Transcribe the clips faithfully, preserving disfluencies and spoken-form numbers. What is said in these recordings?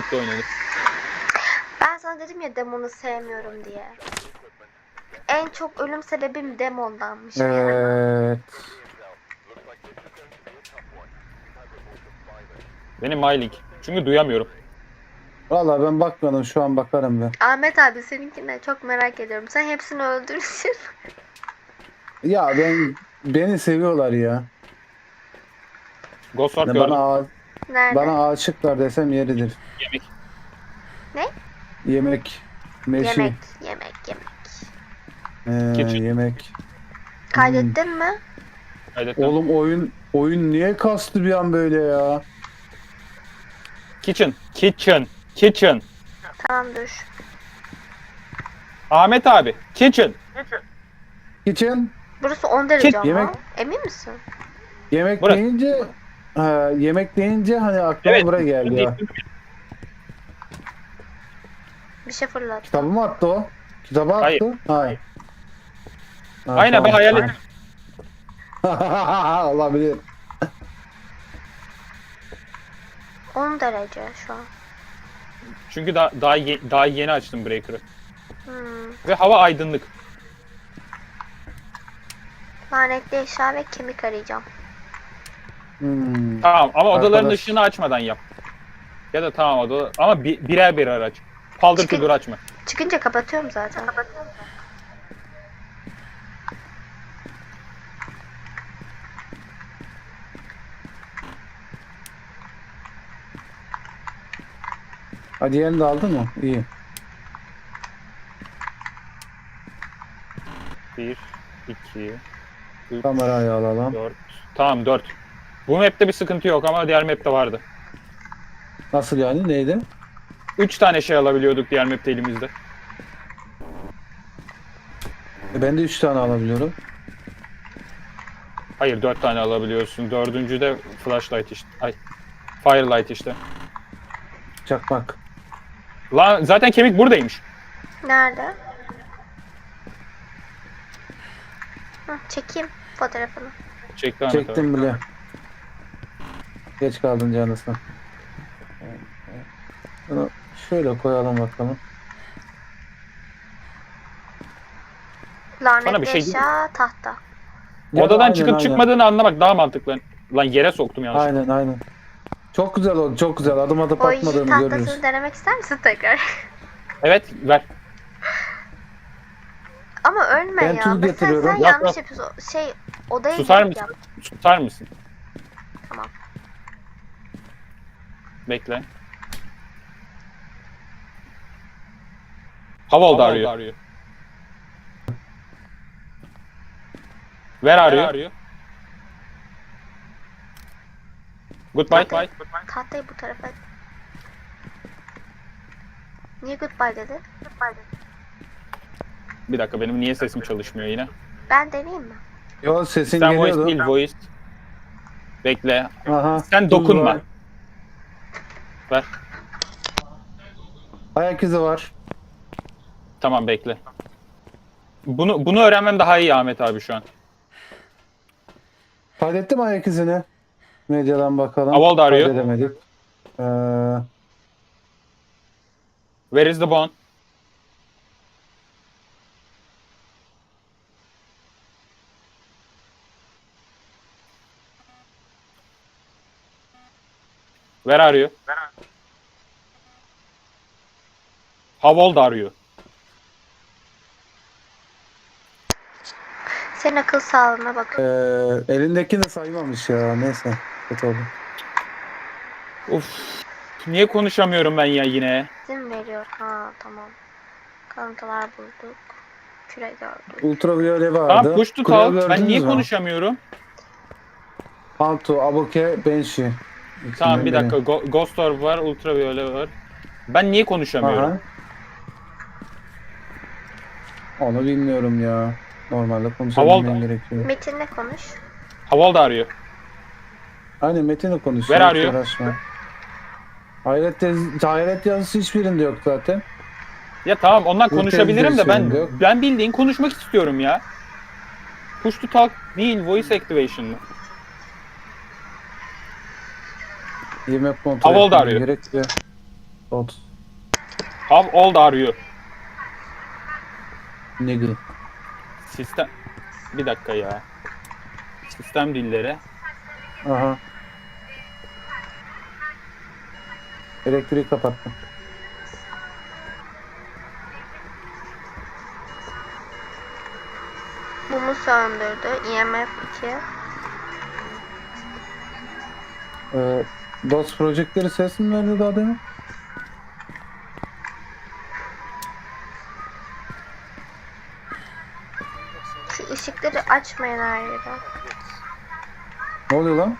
birlikte oynanır. Ben sana dedim ya demonu sevmiyorum diye. En çok ölüm sebebim demondanmış. Evet. Benim MyLink. Çünkü duyamıyorum. Valla ben bakmadım, şu an bakarım ben. Ahmet abi seninkine çok merak ediyorum. Sen hepsini öldürürsün. Ya ben beni seviyorlar ya. Ghost Orb Ne gördüm. bana ağa- Nerede? bana aşıklar desem yeridir. Yemek. Ne? Yemek, meşi, Yemek, yemek, yemek. ee, Kitchen. yemek. Kaydettin mi? Kaydettim. Oğlum oyun oyun niye kastı bir an böyle ya? Kitchen. Kitchen. Kitchen. Tamam dur. Ahmet abi. Kitchen. Kitchen, Burası on derece ama. yemek. Emin misin? yemek Burası. deyince ha, yemek deyince hani aklıma Evet. buraya geldi ya. Bir şey fırlat. Kitabı mı attı o? Kitabı attı. Hayır. Hayır. Ha, Aynen ben tamam. hayal ettim. Olabilir. on derece şu an. Çünkü daha, daha, ye- daha yeni açtım Breaker'ı. Hmm. Ve hava aydınlık. Lanetli eşya ve kemik arayacağım. Hmm. Tamam ama odaların Arkadaş. ışığını açmadan yap. Ya da tamam oda ama bi- birer birer aç. Paldır Çıkın. küldür açma. Çıkınca kapatıyorum zaten. Kapatıyorum. Hadi yerini de aldın mı? İyi. Bir, iki, üç, Kamerayı alalım. dört. Tamam dört. Bu map'te bir sıkıntı yok ama diğer map'te vardı. Nasıl yani? Neydi? Üç tane şey alabiliyorduk diğer map'te elimizde. E, ben de üç tane alabiliyorum. Hayır dört tane alabiliyorsun. Dördüncü de flashlight işte. Ay. Firelight işte. Çakmak. Lan zaten kemik buradaymış. Nerede? Hı, çekeyim fotoğrafını. Çekti Ahmet abi. Çektim bile. Geç kaldın canısına. Bunu şöyle koyalım bakalım. Lanetli bir şey diyeyim eşya tahta. Ya, Odadan aynen, çıkıp aynen. çıkmadığını anlamak daha mantıklı. Lan yere soktum yanlışlıkla. Aynen aynen. Çok güzel oldu, çok güzel. Adım adım O işin atmadığını tahtasını görürüz. denemek ister misin tekrar? Evet ver. Ama ölme Ben ya. tuz Sen, getiriyorum. sen Yok, yanlış yok. yapıyorsun. Şey odaya Susar girip mısın? yap. Tutar mısın? Tamam. Bekle. How old are you? Where are you? Goodbye. Bye. Tahtayı bu tarafa. Niye goodbye dedi? Goodbye dedi. Bir dakika benim niye sesim çalışmıyor yine? Ben deneyeyim mi? Yo, sesin Sen voice geliyordu. değil voice. Bekle. Aha. Sen tuz dokunma. var. Ver. Ayak izi var. Tamam bekle. Bunu bunu öğrenmem daha iyi Ahmet abi şu an. Kaydettim ayak izini. Medyadan bakalım. How old are you? Kaydedemedik. Ee, Where is the bone? Where are you? How old are you? Senin akıl sağlığına bak. e, elindekini saymamış ya. Neyse. Kötü oldu. Of. Niye konuşamıyorum ben ya yine? İzin veriyor. Ha tamam. Kalıntılar bulduk. Küre gördük. Ultraviyole vardı. Tamam push to Kule talk. Ben gördünüz niye mü? konuşamıyorum? Anto, Abuke, Benshi. Tamam bir İkisinden dakika. Go- Ghost Orb var, Ultraviolet var. Ben niye biri. konuşamıyorum? Aha. Onu bilmiyorum ya. Normalde konuşabilmen Havalda. gerekiyor. Metinle konuş. How old are you? Aynen Metin'le konuşuyor. Where are you? Uğraşma. Hayret, yaz- hayret yazısı hiçbirinde yok zaten. Ya tamam ondan Bu konuşabilirim de ben tezgah yok. ben bildiğin konuşmak istiyorum ya. Push to talk değil, voice activation mı? Yemek kontrol How old etmem are you? gerekiyor. Ot. How old are you? Nigga. Sistem... Bir dakika ya. Sistem dilleri. Aha. Elektriği kapattım. Mumu söndürdü. E M F iki. Ee, DOS projektörü ses mi verdi daha demin? Şu ışıkları açmayın her yere. Ne oluyor lan? You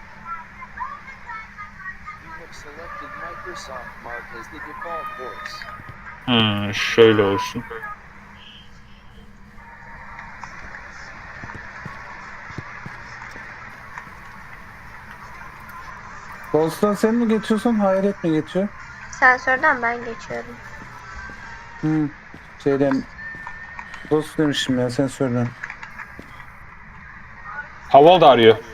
have selected Microsoft Mark as the default voice. Hmm, şöyle olsun. DOS'tan sen mi geçiyorsun? Hayret mi geçiyor? Sensörden ben geçiyorum. Hmm. Şeyden DOS demişim ya sensörden. How old are you?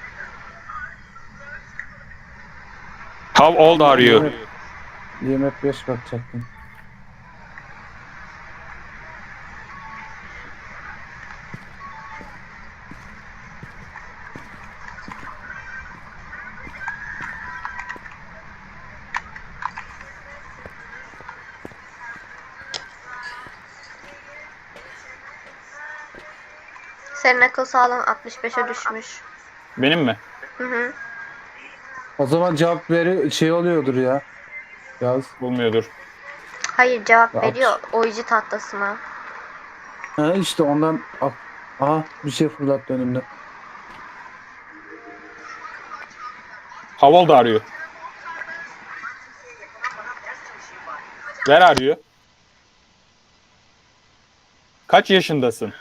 How old are you? I M F beş bakacaktım. Senin akıl sağlığın altmış beşe düşmüş. Benim mi? Hı hı. O zaman cevap veri şey oluyordur ya. Yaz. Bulmuyordur. Hayır, cevap Ya, veriyor oyici tahtasına. Ha işte ondan. Ah, aha bir şey fırlattı önümde. How old are you? Where are you? Kaç yaşındasın?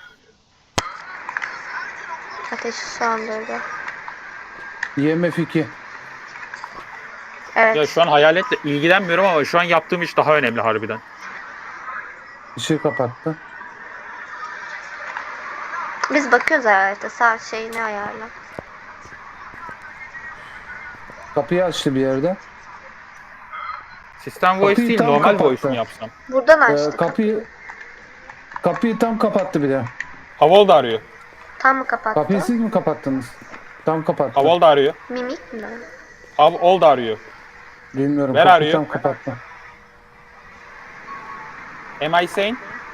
Ateşi söndürdü. I M F iki. Evet. Ya şu an hayaletle ilgilenmiyorum ama şu an yaptığım iş daha önemli harbiden. Işığı kapattı. Biz bakıyoruz hayalete. Saat şeyini ayarla. Kapıyı açtı bir yerde. Sistem voice Kapıyı değil, tam normal kapattı. voice mu yapsam? Buradan Ee, açtık. kapıyı kapıyı tam kapattı bir de. How old are you? Tam mı kapattı? Kapıyı siz mi kapattınız? Tam kapattı. How old are you? Mimik mi? How old are you? Bilmiyorum. Where are Kapıyı you? tam kapattı. Am I sane?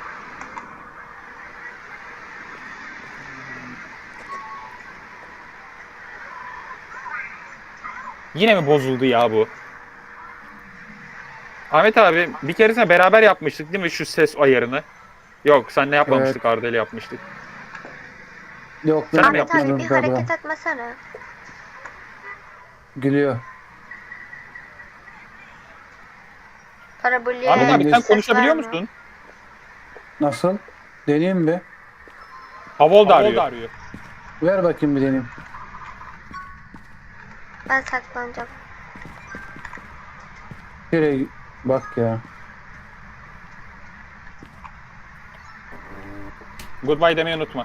Yine mi bozuldu ya bu? Ahmet abi bir keresinde beraber yapmıştık değil mi şu ses ayarını? Yok senle yapmamıştık, Arda ile yapmıştık. Yok Sen ben mi Ahmet abi yapmadım bir galiba. hareket etmesene. Gülüyor. Parabolye Ahmet abi sen ses konuşabiliyor vermiyor. musun? Nasıl? Deneyeyim bir. How old are you? Ver bakayım bir deneyeyim. Ben saklanacağım. Nereye bak ya. Goodbye demeyi unutma.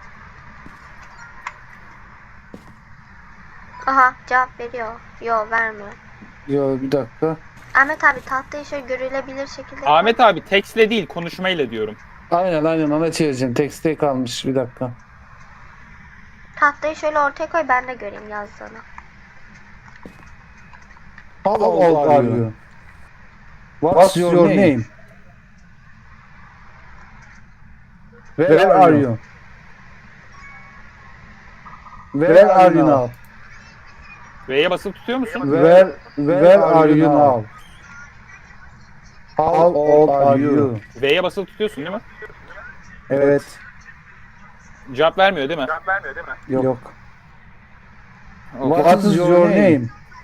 Aha, cevap veriyor. Yo, vermiyor. Yo bir dakika. Ahmet abi tahtayı şöyle görülebilir şekilde koy. Ahmet abi tekstle değil konuşmayla diyorum. Aynen aynen ona çevireceğim. Tekste kalmış bir dakika. Tahtayı şöyle ortaya koy, ben de göreyim yazdığını. How old are you? What's your name? Where are you? Where are you now? V'ye basılı tutuyor musun? Where Where are you now? How old are you? V'ye basılı tutuyorsun değil mi? Evet. Cevap vermiyor değil mi? Yok. What is your name?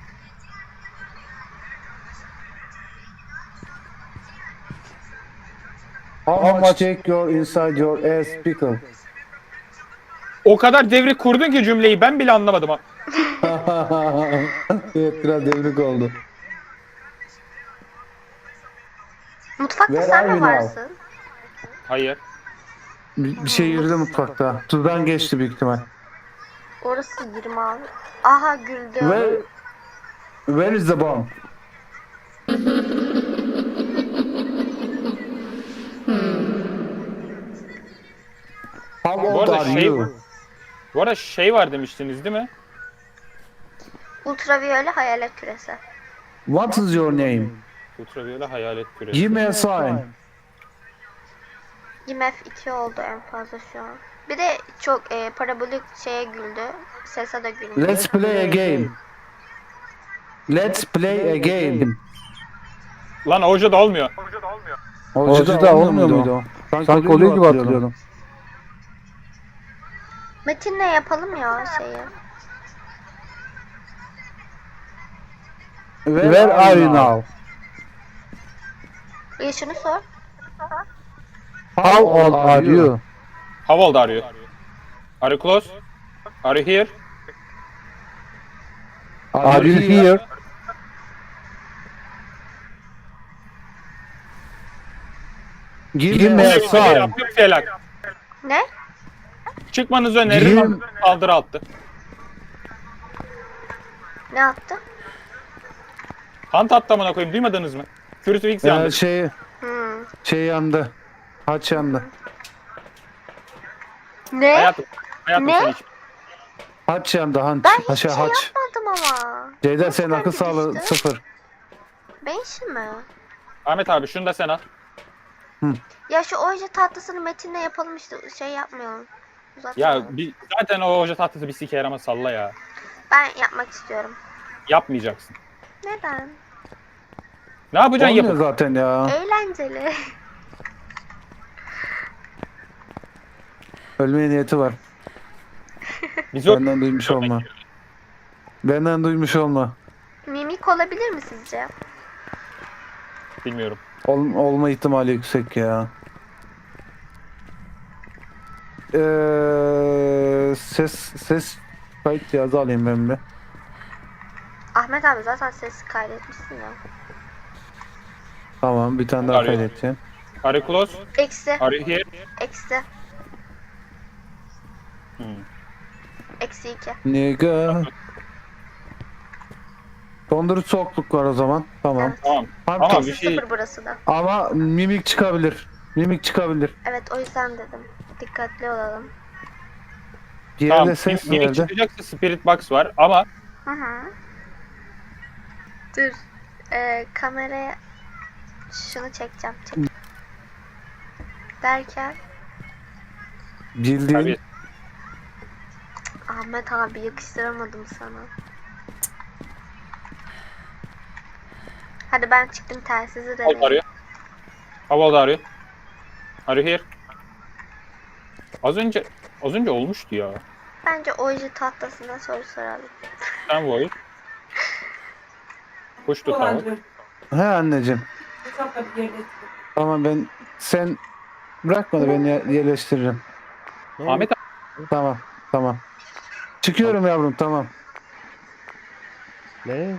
How much take your inside your ass pickle? O kadar devrik kurdun ki cümleyi ben bile anlamadım ha. Evet biraz devrik oldu. Mutfakta Where sen are mi you now? varsın? Hayır. Bir, bir şey yürüdü mutfakta. Tuzdan geçti büyük ihtimal. Orası yirmi altı. Aha, güldü. Where, where is the bomb? How Bu old arada are şey- you? Bu arada şey var demiştiniz değil mi? Ultraviyole hayalet küresi. What is your name? Ultraviyole hayalet küresi. Give me a sign. I M F iki oldu en fazla şu an. Bir de çok e, parabolik şeye güldü. Sesa da güldü. Let's play a game. Let's play a game. Lan hoca da olmuyor. Hoca da olmuyor muydu o? Sanki oluyor gibi hatırlıyorum. Metin'le yapalım ya şeyi. Where are you now? Bir şunu sor. How old are you? How old are you? Are you close? Are you here? Are you here? Give me a sign. Felak. Ne? Çıkmanızı öneririm. Yirmi- Saldırı attı. Ne yaptı? Hunt attı amına koyayım, duymadınız mı? Crucifix yandı. Ee, şey, Hmm. şey yandı. Haç yandı. Ne? Hayatım. Hayatım Ne? sen hiç. Haç yandı. Haç. Ben hiç Haşa şey haç. yapmadım ama. Ceyda Nasıl senin akıl bende sağlığı düştü? sıfır. Ben işi mi? Ahmet abi şunu da sen al. Ya şu oje tatlısını Metin'le yapalım işte şey yapmayalım. Uzatma. Ya bir, zaten o hoca tahtası bir sike yaramaz, salla ya. Ben yapmak istiyorum. Yapmayacaksın. Neden? Ne yapacaksın Olmuyor yapın. zaten ya. Eğlenceli. Ölmeye niyeti var. Biz yok. Benden duymuş olma. Benden duymuş olma. Mimik olabilir mi sizce? Bilmiyorum. Ol, olma ihtimali yüksek ya. Ee, ses ses kayıt cihazı alayım ben bir. Ahmet abi zaten ses kaydetmişsin ya. Tamam, bir tane daha Arıyor. kaydedeceğim. Are you close? Eksi. Are you here? Eksi. Hmm. Eksi iki. Nigga. Dondurucu soğukluk var o zaman. Tamam. Evet. Tamam. Tam Ama kes. bir şey Sıfır burası da. Ama mimik çıkabilir. Mimik çıkabilir. Evet o yüzden dedim. Dikkatli olalım. Bir yerde tamam. ses Minik geldi. çıkacaksa Spirit Box var ama Hı hı. Dur. Ee, kameraya şunu çekeceğim. Çek. Derken Bildiğin tabii Ahmet abi yakıştıramadım sana. Hadi ben çıktım telsizi How old deneyim. are you? How old are you? Are you here? Az önce az önce olmuştu ya. Bence oje tahtasına soru soralım. Sen voice. Push to talk. he anneciğim. Tamam, ben sen bırakma da ben ye- yerleştiririm. Ahmet abi, Tamam, tamam. Çıkıyorum yavrum, tamam. Ne?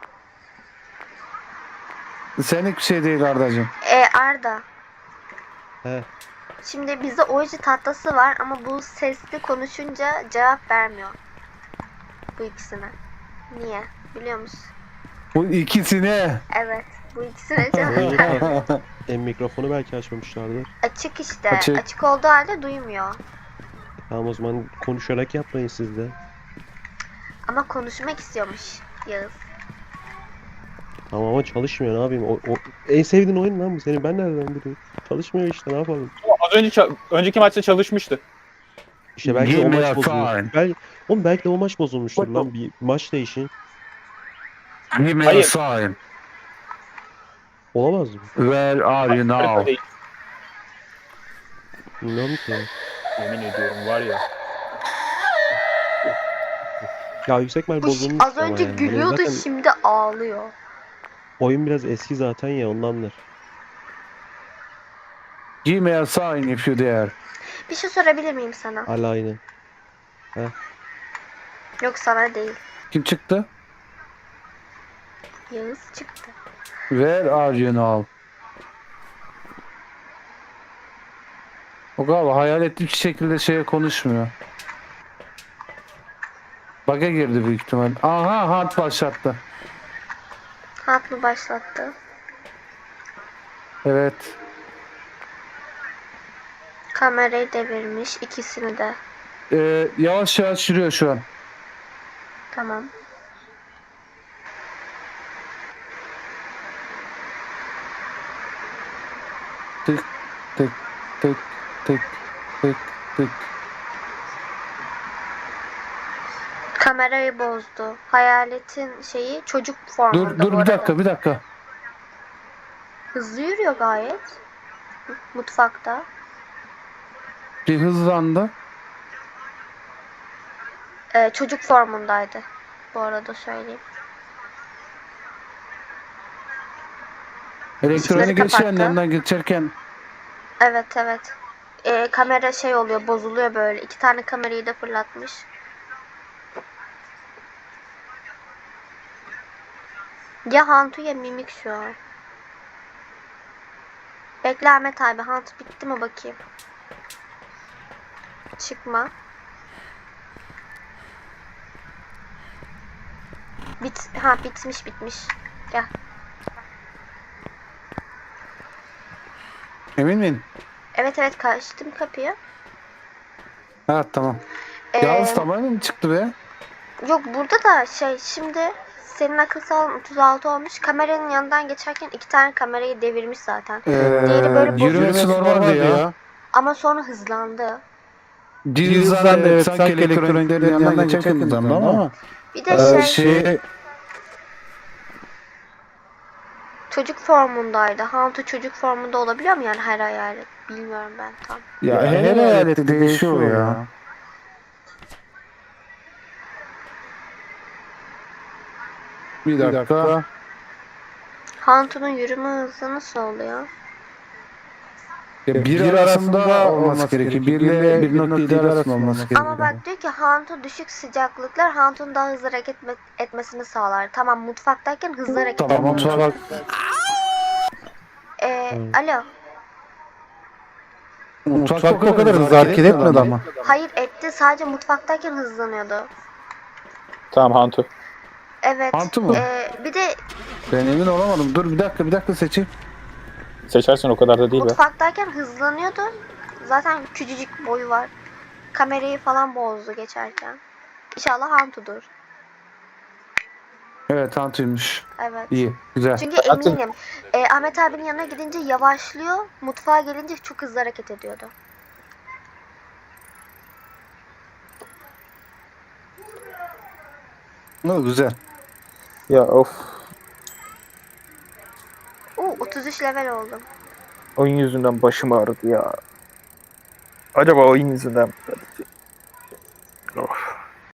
Senlik bir şey değil Ardacığım. Ee, Arda. He. Şimdi bizde oje tahtası var ama bu sesli konuşunca cevap vermiyor. Bu ikisine. Niye? Biliyor musun? Bu ikisine. Evet. Bu ikisine cevap vermiyor. E, mikrofonu belki açmamışlardır. Açık işte. Açık. Açık olduğu halde duymuyor. Tamam, o zaman konuşarak yapmayın siz de. Ama konuşmak istiyormuş Yağız. Tamam ama çalışmıyor, ne yapayım? O, o, en sevdiğin oyun lan bu senin, ben nereden bileyim? Çalışmıyor işte, ne yapalım? az önce ça- önceki maçta çalışmıştı. İşte belki de Give o me maç a bozulmuş. sign. Belki, oğlum belki de o maç bozulmuştur lan, bir maç değişin. Give me a Hayır. sign. Olamaz mı? Where are you Harita now? değil. Bilmiyorum ki. Yemin ediyorum var ya. Ya yüksek ihtimal Bu bozulmuş az önce ama yani. gülüyordu Zaten şimdi ağlıyor. oyun biraz eski zaten ya, ondandır. Give me a sign if you dare. Bir şey sorabilir miyim sana? Hala aynı. Yok sana değil. Kim çıktı? Yağız çıktı. Where are you now? O galiba hayal ettiği şekilde şeye konuşmuyor. Bug'a girdi büyük ihtimal. Aha, hunt başlattı. Hat mı başlattı? Evet. Kamerayı devirmiş ikisini de. Ee, yavaş yavaş yürüyor şu an. Tamam. Tık tık tık tık tık tık. Kamerayı bozdu. Hayaletin şeyi çocuk formunda Dur dur bu bir arada. dakika bir dakika. Hızlı yürüyor gayet. Mutfakta. Bir hızlandı. Ee, çocuk formundaydı. Bu arada söyleyeyim. Elektronik Işıkları eşyanın kapattı. yanından geçerken Evet evet. Ee, kamera şey oluyor, bozuluyor böyle. İki tane kamerayı da fırlatmış. Ya Hantu ya Mimik şu an. Bekle Ahmet abi. Hantu bitti mi bakayım. Çıkma. Bit ha bitmiş bitmiş. Gel. emin miyim? Evet evet kaçtım kapıyı. Ha tamam. Ee, Yağız tamamen mi çıktı be? Yok burada da şey şimdi senin akıl sağlığın otuz altı olmuş. Kameranın yanından geçerken iki tane kamerayı devirmiş zaten. Ee, Diğeri böyle bozuldu. yürümesi normaldi ya. Ama sonra hızlandı. Bir hızlandı evet sanki elektroniklerin yanından geçerken hızlandı ama. Bir de Ee, şey, şey çocuk formundaydı. Hantu çocuk formunda olabiliyor mu yani her hayalet? Bilmiyorum ben tam. ya her eyalette değişiyor ya. Bir dakika. Hantu'nun yürüme hızı nasıl oluyor? Ya bir arasında olması gerekiyor. Bir ile bir nokta yedi arasında olması gerekiyor. Ama bak diyor ki Hantu düşük sıcaklıklar Hantu'nun daha hızlı hareket etme- etmesini sağlar. Tamam mutfaktayken hızlı hareket Tamam ediyor. mutfak. Ee, alo. Mutfak o kadar hızlı hareket etmedi ama. Hayır etti sadece mutfaktayken hızlanıyordu. Tamam Hantu. Evet. Hantu mu? ee, bir de Ben emin olamadım. Dur bir dakika bir dakika seçeyim. Seçersin o kadar da değil be. mutfaktayken hızlanıyordu. Zaten küçücük boyu var. Kamerayı falan bozdu geçerken. İnşallah Hantu'dur. Evet Hantu'ymuş. Evet. İyi güzel. Çünkü Zaten- eminim. E, Ahmet abinin yanına gidince yavaşlıyor. Mutfağa gelince çok hızlı hareket ediyordu. O güzel. Ya of. Oo, otuz üç level oldum. Oyun yüzünden başım ağrıdı ya. Acaba oyun yüzünden mi? Of.